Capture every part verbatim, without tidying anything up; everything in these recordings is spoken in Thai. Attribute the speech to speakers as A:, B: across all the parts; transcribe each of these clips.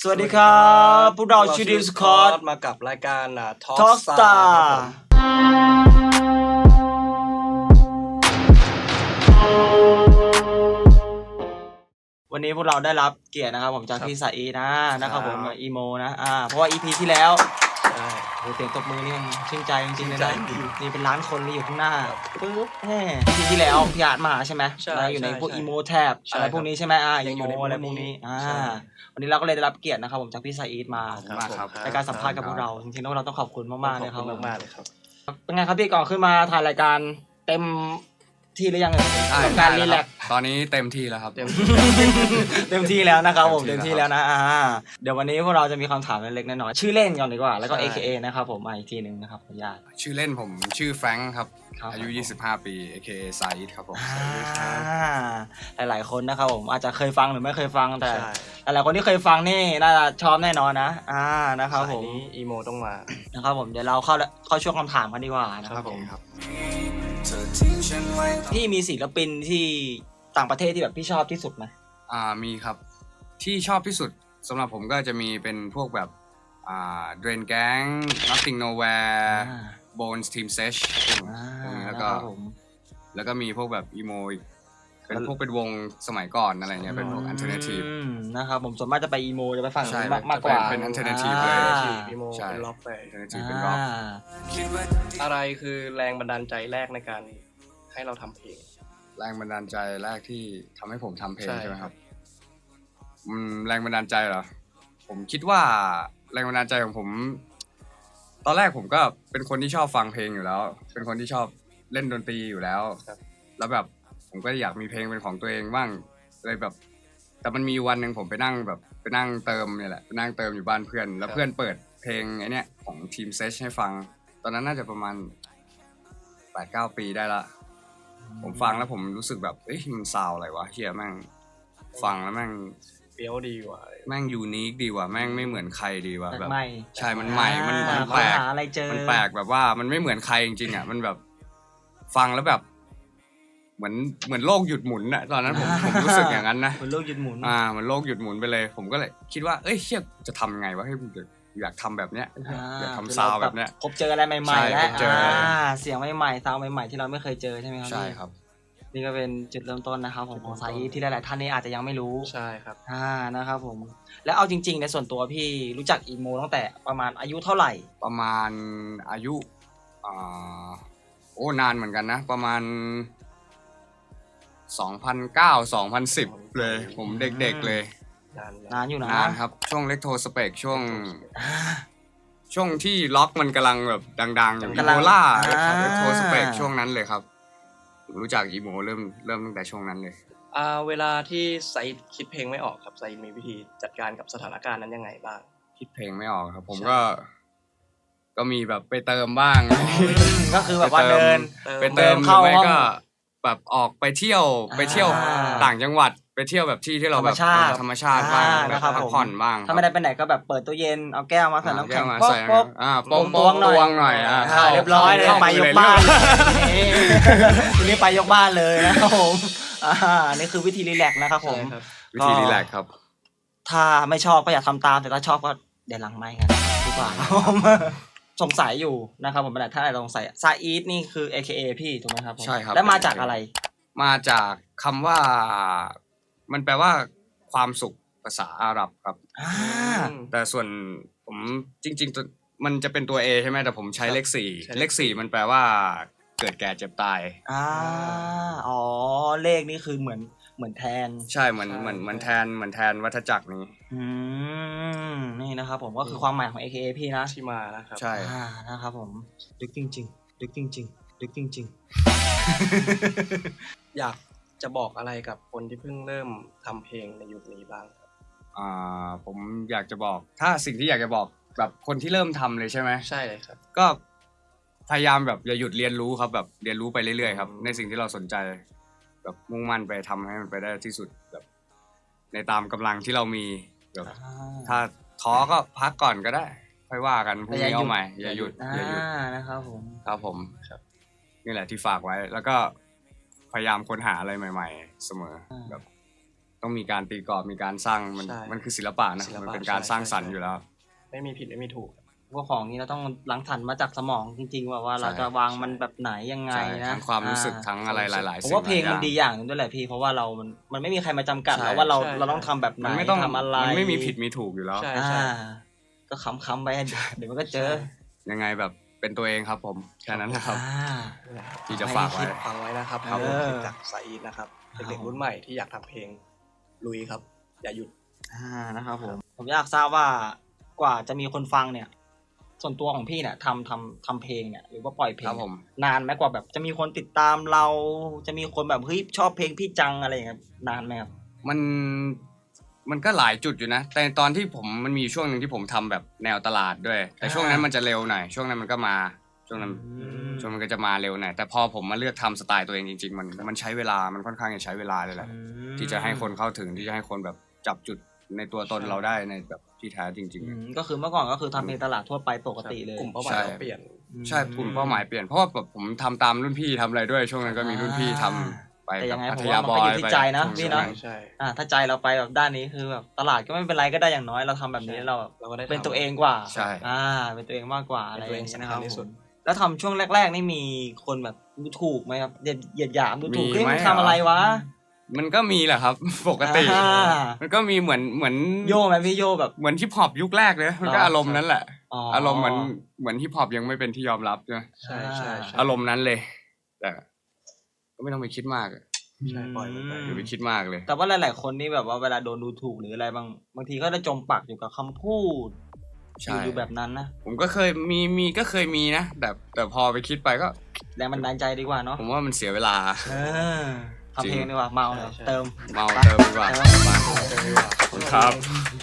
A: สวัสดีครับพวกเราชูดิวสคอต
B: มากับรายการทอ
A: ท็อ
B: ล์
A: ก
B: ก
A: ส
B: ส
A: ตา
B: ตา
A: ร์
B: ร์
A: วันนี้พวกเราได้รับเกียรตินะครับผมจาก
B: ครับ
A: พี่สายอีนะนะครับผม
B: ครับ
A: อีโมนะอ่าเพราะว่า อี พี ที่แล้ว
B: ใช่
A: โหเสียงตบมือนี่มันชื่นใจจริงๆเลย
B: ชื่
A: นะ
B: นใจจริง
A: นี่เป็นล้านคนเลยอยู่ข้างหน้า
B: ครับ
A: ปึ๊บแหม อี พี ที่แล้วพี่อาร์ตมาใช่ไหม
B: ใช่
A: แล้วอยู่ใน
B: ใช่
A: พวก
B: ใช่
A: อีโมแท็บ
B: ใช่
A: อะไรพวกนี้ใช่ไหมอ่า
B: ยั
A: อี
B: งอ
A: โม
B: ยู่ในพวก
A: อะไรพวกนี้
B: นี้
A: อ่า
B: ใช่
A: วันนี้เราก็เลยได้รับเกียรตินะครับผมจากพี่สายอีทมา
B: ครับ
C: มากครับ
A: ในการสัมภาษณ์กับพวกเราจริงๆแล้วเราต้องขอบคุณมากๆเลย
B: ข
A: ค
B: อ
A: รั
B: บบ คุณมากๆเลยครับ
A: เป็นไงครับพี่ก่อนขึ้นมาถ่ายรายการเต็มที่หรือยังเอ่ยกับการรีแลกซ์
C: ตอนนี้เต็มที่แล้วครับ
B: เต็ม
A: เต็มที่แล้วนะครับผม
C: เต็
A: เต็ม
C: มที่
A: ที่
C: แล้
A: แล้ว
C: ว
A: นะอ่าเดี๋ยววันนี้พวกเราจะมีคำถามเล็กๆน้อยๆชื่อเล่นก่อนดีกว่าแล้วก็
B: ใช่
A: เอ เค เอ นะครับผมมาอีกทีหนึ่งนะครับขออนุญาต
C: ชื่อเล่นผมชื่อแฟรงค์ครับ
A: ครับ
C: อายุ ยี่สิบห้า ปี เอ เค เอ ซาอิดครับผม
A: อ่าหลายๆคนนะครับผมอาจจะเคยฟังหรือไม่เคยฟังแต่
B: ใช่
A: หลายๆคนที่เคยฟังนี่น่าจะชอบแน่นอนนะอ่านะครับผม
B: สายนี้อีโมต้องมา
A: นะครับผมเดี๋ยวเราเข้าเข้าช่วงคำถามกันดีกว่านะครับผม
C: ครับ
A: พี่มีศิลปินที่ต่างประเทศที่แบบพี่ชอบที่สุดไหม
C: อ่ามีครับที่ชอบที่สุดสำหรับผมก็จะมีเป็นพวกแบบอ่า Drain Gang Nothing Nowhere
A: อ่า
C: Bones Team Sesh
A: อ่า
C: พวกนี้แล้ว
A: นะ
C: ก็
A: ครับผม
C: แล้วก็มีพวกแบบอีโมอีกเป็นพวกเป็นวงสมัยก่อนอะไรเงี้ยเป็นพวก Alternative
A: อืมนะครับผมส่วนมากจะไปอีโมจะไปฝั่ง
C: ใช่
A: นู้นมากมากกว่า
C: เป็น alternative เลย
A: อ่า
B: อีโม
C: ใช่
B: เป็นล็อกไป
C: Alternative เป็นร็อก
A: อ่า
B: อะไรคือแรงบันดาลใจแรกในการให้เราทำเพลง
C: แรงบันดาลใจแรกที่ทำให้ผมทำเพลง
B: ใช่
C: ใช่ไหมครับอืมแรงบันดาลใจเหรอผมคิดว่าแรงบันดาลใจของผม ตอนแรกผมก็เป็นคนที่ชอบฟังเพลงอยู่แล้ว เป็นคนที่ชอบเล่นดนตรีอยู่แล้ว
B: ครับ
C: แล้วแบบผมก็อยากมีเพลงเป็นของตัวเองบ้างเลยแบบ แต่มันมีวันหนึ่งผมไปนั่งแบบไปนั่งเติมเนี่ยแหละไปนั่งเติมอยู่บ้านเพื่อน แล้วเพื่อนเปิดเพลงไอ้เนี่ยของทีมเซชให้ฟัง ตอนนั้นน่าจะประมาณแปดเก้าปีได้ละ ผมฟังแล้วผมรู้สึกแบบเอ้ยมันซาวอะไรวะเฮียแม่งฟังแล้วแม่ง
B: เฟี้ยวดีกว่า
C: แม่งยูนิคดีว่ะแม่งไม่เหมือนใครดีว่ะ
A: แปล
C: แบ
A: ก
C: บ
A: ใหม่
C: ใช่มันใหม่มัน
A: อ่า
C: มันแปลก
A: หาอะไรเจอ
C: มันแปลกแบบว่ามันไม่เหมือนใครจริงๆอ่ะมันแบบฟังแล้วแบบ เหมือนเหมือนโลกหยุดหมุนอ่ะตอนนั้นผมผมรู้สึกอย่างนั้นนะ
A: เหมือนโลกหยุดหมุน
C: อ่ามันโลกหยุดหมุนไปเลย ผมก็เลยคิดว่าเอ้ยเฮียจะทำไงวะให้ผมอยากทำแบบเนี้ยอยากทำซาวด์แบบเนี้ย
A: พบเจออะไรใหม่ๆ
C: ใช่
A: แล้ว
C: พบเจออะไร
A: อ่าเสียงใหม่ๆซาวด์ใหม่ๆที่เราไม่เคยเจอใช่ไหมครับ
C: ใช่ครับ
A: นี่ก็เป็นจุดเริ่มต้นนะครับผมของสายอีที่หลายๆท่านนี่อาจจะยังไม่รู้
B: ใช่ครับ
A: อ่านะครับผมแล้วเอาจริง ๆ ในส่วนตัวพี่รู้จักอีโมตั้งแต่ประมาณอายุเท่าไหร่
C: ประมาณอายุอ่าโอ้นานเหมือนกันนะ ประมาณสองพันเก้า สองพันสิบเลย ผมเด็กๆเลย
B: นาน
A: นานอยู่นะ
C: นานครับ ช่วงเล็กโทสเปกช่วง
A: อ่า
C: ช่วงที่ล็อกมันกำลังแบบดังๆ อยู่
A: กำลัง
C: โบล่า
A: อ่า
C: เล็กโทสเปกช่วงนั้นเลยครับผมรู้จักอีโมเริ่มเริ่มตั้งแต่ช่วงนั้นเลย
B: อ่าเวลาที่ไซด์คิดเพลงไม่ออกครับไซด์มีวิธีจัดการกับสถานการณ์นั้นยังไงบ้าง
C: คิดเพลงไม่ออกครับ ผม
B: ใช่
C: ก็ ก็มีแบบไปเติมบ้าง
A: ก็คือแบบว่าเดิน
C: ไปเติม
A: เดินเข้า
C: หรือไม่
A: ห้อง
C: ก็แบบออกไปเที่ยว
A: อ่า
C: ไปเที่ยวต่างจังหวัดไปเที่ยวแบบที่ที่เราแบบ
A: ธรรมชาติ
C: ธรรมชาติบ้าง
A: อ่า
C: แบบ
A: นะครับ
C: พัก
A: ผม
C: ผ่อนบ้าง
A: ถ้าไม่ได้ไปไหนก็แบบเปิดตู้เย็นเอาแก้วมาใส่น้ำแข็ง
C: มา
A: ป๊อก
C: ใส่
A: ป๊อก
C: อ่า
A: ตว
C: โป้
A: ง
C: ง
A: ตวงหน่อย
C: ตวงหน่อยอ่า
A: อ่าเรียบร้อยเลย
C: ข้
A: ไปยกบ้าน
C: เข้
A: นี่ทีนี้ไปยกบ้านเลยนะครับผมอ่านี่คือวิธีรีแลกซ์นะครับผม
B: ใช่ครับ
C: วิธีรีแลกซ์ครับ
A: ถ้าไม่ชอบก็อย่าทำตามแต่ถ้าชอบก็เดี๋ยวหลังไมค์กันดีกว่าครับผมสงสัยอยู่นะครับผมถ้าอะไรสงสัยซาอีทนี่คือ เอ เค เอ พี่ถูกไหมครับผม
C: ใช่ครับ
A: แล้วมาจากอะไร
C: มาจากคำว่ามันแปลว่าความสุขภาษาอาหรับครับ
A: อ่า
C: แต่ส่วนผมจริงๆตัวมันจะเป็นตัว A ใช่ไหมแต่ผมใช้เลขสี่
B: ใช้
C: เล
B: เล
C: ข
B: ข
C: สี่มันแปลว่าเกิดแก่เจ็บตาย
A: อ่าอ๋อเลขนี่คือเหมือนเหมือนแทน
C: ใช่เหมือน
B: ใช่
C: เหมือนเหมือนแทนเหมือนแทนวัฏจักรนี้
A: อืมนี่นะครับผมก็คือความหมายของ เอ เค เอ พี่นะ
B: ที่มานะครับ
C: ใช่
A: อ่านะครับผมดึกจริงๆดึกจริงๆดึกจริง
B: อยากจะบอกอะไรกับคนที่เพิ่งเริ่มทำเพลงในยุคนี้บ้างครับ
C: อ่าผมอยากจะบอก ถ้าสิ่งที่อยากจะบอกแบบคนที่เริ่มทำเลยใช่ไหม
B: ใช่เลยครับ
C: ก็พยายามแบบอย่าหยุดเรียนรู้ครับแบบเรียนรู้ไปเรื่อยๆครับ
B: อืม
C: ในสิ่งที่เราสนใจ แบบมุ่งมั่นไปทำให้มันไปได้ที่สุดแบบ ในตามกำลังที่เรามีแบบ
A: ๆอ่า
C: ถ้าท้อก็พักก่อนก็ได้ค่อยว่ากันพรุ่ง
A: แต่อย่าหยุด
C: นี้เอาใหม่อย่าหยุด
A: อ่า
C: อย่าหยุด
A: นะครับผม
C: ครับผมครับนี่แหละที่ฝากไว้ แล้วก็พยายามค้นหาอะไรใหม่ ๆ เสมอแบบต้องมีการตีกรอบมีการสร้างมัน
B: ใช่
C: มันคือศิลปะนะ
B: ศิลปะ
C: มันเป็นการ
B: ใช่
C: สร้างสรรค์
B: ใช่
C: อยู่แล้ว
B: ไม่มีผิดไม่มีถูก
A: พวกของนี้เราต้องรังสรรค์มาจากสมองจริงๆ ว่าว่า
C: ใช่
A: เราจะวางมันแบบไหนยังไง
C: ใช่
A: นะ
C: ทั้งความรู้สึก
A: อ่
C: ทั้งอะไรหลายๆ
A: ผม
C: สิ่ง
A: ว่าเพลง
C: หาย
A: มัน
C: อย่
A: ดีอย่างหนึงด้วยแหละพี่เพราะว่าเรา มันมันไม่มีใครมาจำกัด
C: ใช่
A: เราว่าเรา
B: ใช่
A: เราต้องทำแบบไหน
C: มันไม่ต้อง
A: ทำอะไร
C: มันไม่มีผิดมีถูกอยู่แล้ว
B: ใช่
A: อ่าก็คำๆไป เดี๋ยวมันก็เจอ
C: ยังไงแบบเป็นตัวเองครับผมแค่นั้นนะครับ
A: อ่า
C: ที่จะฝากไว้
B: ฟังไว้นะครับ
A: ครับ
B: ผม
A: เออ
B: จากสายอีทนะครับ
A: ครับ
B: เด็กๆรุ่นใหม่ที่อยากทำเพลงลุยครับ อย่าหยุด
A: อ่านะครับผมผมอยากทราบว่ากว่าจะมีคนฟังเนี่ย ส่วนตัวของพี่เนี่ยทำทำทำเพลงเนี่ยหรือว่าปล่อยเพล
C: ครั
A: ง
C: บผม
A: นานไหมกว่าแบบจะมีคนติดตามเรา จะมีคนแบบเฮ้ยชอบเพลงพี่จังอะไรอย่างเงี้ยนานไหมครับ
C: มันมันก็หลายจุดอยู่นะ แต่ตอนที่ผมมันมีช่วงหนึ่งที่ผมทำแบบแนวตลาดด้วย แต่ช่วงนั้นมันจะเร็วหน่อยช่วงนั้นมันก็มาช่วงนั้น
A: ม
C: ช่วงมันก็จะมาเร็วหน่อยแต่พอผมมาเลือกทำสไตล์ตัวเองจริงๆ มันมันใช้เวลามันค่อนข้างจะใช้เวลาเลยแหละ
A: อืม
C: ที่จะให้คนเข้าถึงที่จะให้คนแบบจับจุดในตัวตน
B: ใช่
C: เราได้ในแบบที่แท้จริง
A: อืมก็คือเมื่อก่อนก็คือทำเพลงตลาดทั่วไปปกติเลย
B: กลุ่มเป้าหมาย
C: ใช่
B: เราเปลี่ยน
C: ๆ ใช่กลุ่มเป้าหมายเปลี่ยนเพราะว่าแบบผมทำตามรุ่นพี่ทำอะไรด้วย ช่วงนั้นก็มีรุ่นพี่ทำไป
A: แต่
C: กั
A: ยั
C: บ
A: งไง
C: พั
A: ผม
C: ท
A: ว่าย
C: า
A: มัน
C: บอ
A: ก็
C: ย
A: อยู่ที่
C: ไป
A: ใจนะ
C: ช่วง
A: พี่
C: นั้
A: เนาะ
C: น
B: ใช่
A: อ่าถ้าใจเราไปแบบด้านนี้คือแบบตลาดก็ไม่เป็นไรก็ได้อย่างน้อยเราทำแบบนี้เรา
B: เราก็ได้
A: เป็น
B: ทำ
A: ตัวเองกว่า
C: ใช่
A: อ่า เป็นตัวเองมากกว่าอะไร
B: เป็น
A: อ
B: ตัวเอย่าง
A: งเงี้ยนะครับ
B: สำคัญที่สุด
A: ผมแล้วทำช่วงแรก ๆ นี่มีคนแบบดูถูกไหมครับเหยียดเหยียดหยามดูถูก
C: มี
A: เฮ้ย
C: ไหม
A: มึงทำอะไรวะ
C: มันก็มีแหละครับ ปกติ
A: อ่า
C: มันก็มีเหมือนเหมือน
A: โยไหมพี่โยแบบ
C: เหมือนฮิปฮอปยุคแรกเลยมันก็
A: อ๋อ
C: อารมณ์นั้นแหละ
A: อ๋อ
C: อารมณ์เหมือนเหมือนฮิปฮอปยังไม่เป็นที่ยอมรับใช่ไหม
B: ใช่ใช่ใช่
C: อารมณ์นั้นเลย แต่ก็ไม่ต้องไปคิดมากอะ
B: ใช่ปล่อยมันไป
C: อย่าไปคิดมากเลย
A: แต่ว่าหลาย ๆ คนนี่แบบว่าเวลาโดนดูถูกหรืออะไรบางบางทีก็จะจมปักอยู่กับคำพูด
C: ใช่
A: อยู่แบบนั้นนะ
C: ผมก็เคยมีมีก็เคยมีนะแต่แต่พอไปคิดไปก็
A: แรงบันดาลใจดีกว่าเนาะ
C: ผมว่ามันเสียเวลา
A: เออทำเพลงดีกว่าเมาเลย
B: ใช่
A: เติม
C: เมาเติมดีกว่า
A: เติม
C: มา
B: เจอดีกว่า
C: ขอบคุณครับ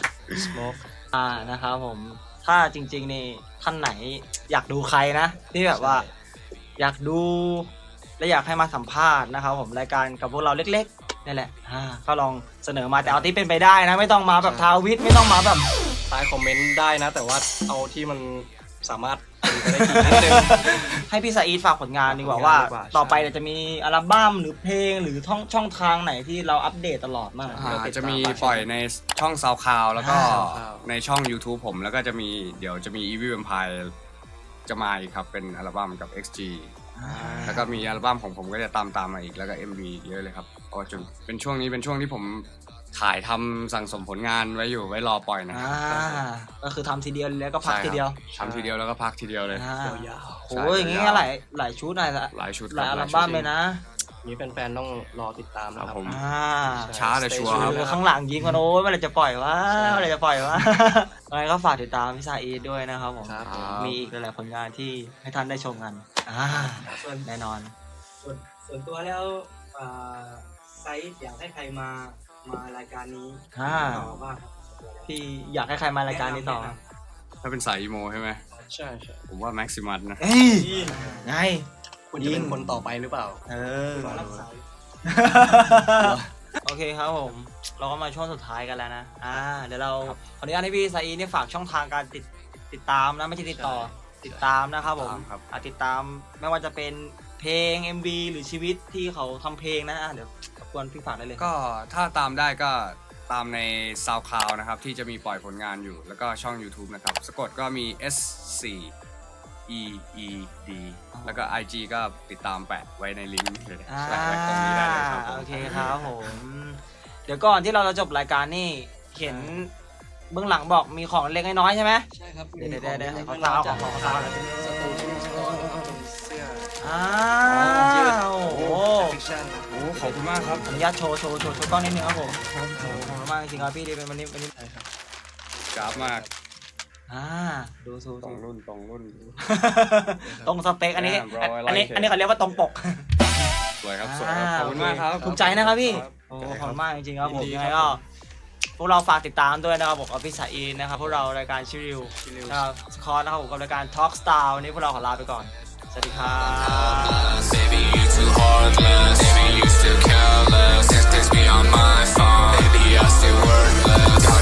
B: Smoke
A: อ่านะครับผมถ้าจริงๆนี่ท่านไหนอยากดูใครนะ ที่แบบว่า อยากดูและอยากให้มาสัมภาษณ์นะครับผมรายการกับพวกเราเล็กๆนี่แหละอ่าก็ลองเสนอมาแต่เอาที่เป็นไปได้นะ ไม่ต้องมาแบบทาวิทไม่ต้องมาแบบ
B: ใต้คอมเมนต์ได้นะ แต่ว่าเอาที่มันสามารถเป็นไปได้จริงนิดนึง
A: ให้พี่ซาอีทฝากผลงานดีกว่า
B: ฝากผลงาน
A: ว่า
B: ดีกว่า
A: ต่อไป
B: ใช่
A: เนี่ยจะมีอัลบั้มหรือเพลงหรือช่องช่องทางไหนที่เราอัปเดตตลอดมาก
C: อ่าจะมีปล่อยในช่องซาวคลาวแล้วก็
B: อ่า
C: ในช่อง YouTube ผมแล้วก็จะมีเดี๋ยวจะมี Evil Empire จะมาอีกครับเป็นอัลบั้มกับ เอ็กซ์ จี แล้วก็มีอัลบั้มของผมก็จะตามตามมาอีกแล้วก็ เอ็ม วี เยอะเลยครับเพราะว่าจนเป็นช่วงนี้เป็นช่วงที่ผมถ่ายทำสั่งสมผลงานไว้อยู่ไว้รอปล่อยนะ
A: อ่าก็คือทำทีเดียวแล้วก็พัก
C: ใช่ครับ
A: ทีเดียว
C: ทำทีเดียวแล้วก็พักทีเดียวเลย
A: อ่าย
B: าว
A: โอ้ยอย่างงี้ก็หลายหลายชุดหลาย
C: หลายชุด
A: หลาย
C: ค
A: อั
C: รั
A: ล
C: ชุด
A: บั้ม
C: จริง
A: เลยนะ
B: ๆนี้แฟนๆต้องรอติดตามนะค
C: ครั
B: รั
C: บบ ผม
A: อ่า
C: ช้าแต่ชัวร์ครับ
A: คือข้างหลังยิงกันโอ้ยเมื่อไหรจะปล่อยวะ
B: ใช่
A: เมื่อไหรจะปล่อยวะ อะไรก็ฝากติดตามพี่ซาอีทด้วยนะครับผม
B: ครับ
A: มีอีกหลายๆผลงานที่ให้ท่านได้ชมกันอ่า
D: ส่วน
A: แน่นอน
D: ส่วนส่วนตัวแล้วอ่าไซส์อยากให้ใครมามารายการนี้
A: อ่า
D: ต่อบ้างครับ
A: พี่อยากให้ใครมารายการนี้ต่อ
D: แะำแะน
C: ถ้าเป็นสายอีโมใช่ไหม
B: ใช่ใช่
C: ผมว่าแม็กซิมัสนะ
A: เฮ้ยไง
B: คุณจะเป็นคนต่อไปหรือเปล่า
A: เออ
D: ำขอรับสาย
A: โอเคครับผม เราก็มาช่วงสุดท้ายกันแล้วนะ อ่า เดี๋ยวเราขออนุญาตให้พี่ซาอีเนี่ยฝากช่องทางการติดติดตามนะไม่ใช่ติดต่อ
B: ใช่
A: ติดตามนะครับผม
C: ตามครับ
A: อ่ะติดตามไม่ว่าจะเป็นเพลง เอ็ม วี หรือชีวิตที่เขาทำเพลงนะอ่ะเดี๋ยวรบกวนพี่ฝากได้เลย
C: ก็ถ้าตามได้ก็ตามใน SoundCloud นะครับที่จะมีปล่อยผลงานอยู่ แล้วก็ช่อง YouTube นะครับ สะกดก็มี เอส โฟร์ อี อี ดี แล้วก็ ไอ จี ก็ติดตามแปะไว้ในลิงก์เลย
A: อ่า
C: แปะไว้ตรงนี้ได้เลยครับผม
A: โอเคครับผม เดี๋ยวก่อนที่เราจะจบรายการนี่เห็นเบื้องหลังบอกมีของเล็กน้อยใช่ไหม
B: ใช่ครับ
A: เดี๋ยวเดี๋ยวเดี๋ยว
B: มี
A: ขอ
B: ข
A: ซา
B: อง
A: วขอขอซาวหน่อย
B: สตูดิโอสกอร์นะครับเป็นเสื้อ
A: อ้า
B: ยืด
A: วโอ้โห
B: ฟิกชั่นนะ
C: โอ้ขอบคุณมากครับ
A: ขออนุญาตโชว์โชว์โชว์โชว์กล้องนิดนึงครับผมโอ้โหขอบคุณมากจริงๆครับพี่ดีเป็นวันนี้วันนี้
B: ใช่ครับ
C: กราฟมาก
A: อ่าดูดู
C: ตร
A: ดู
C: งรุ่นตรงรุ่น
A: ตรงสเปคอันนี้
C: Yeah, bro, I like
A: อันนี้
C: it.
A: อันนี้เขาเรียกว่าตรงปก
C: สวยครับสวยครับขอบคุณมากครับ
A: ภูมิใจนะครับพี่
C: ครับ
A: โอ้ขอบคุณมากจริงๆครับผม
B: ยินดี
A: ยัง
B: ค
A: ไง
B: รับ
A: ก็พวกเราฝากติดตามด้วยนะครับผมกับพี่สายอินนะครับพวกเรารายการชิริว
B: ชิลิว
A: นะครับสคอร์นะครับผมกับรายการ Talk Star วันนี้พวกเราขอลาไปก่อน สวัสดีครับ
E: Baby, you too heartless. Baby, you still careless. Text, text me on my phone. Baby, I still worthless.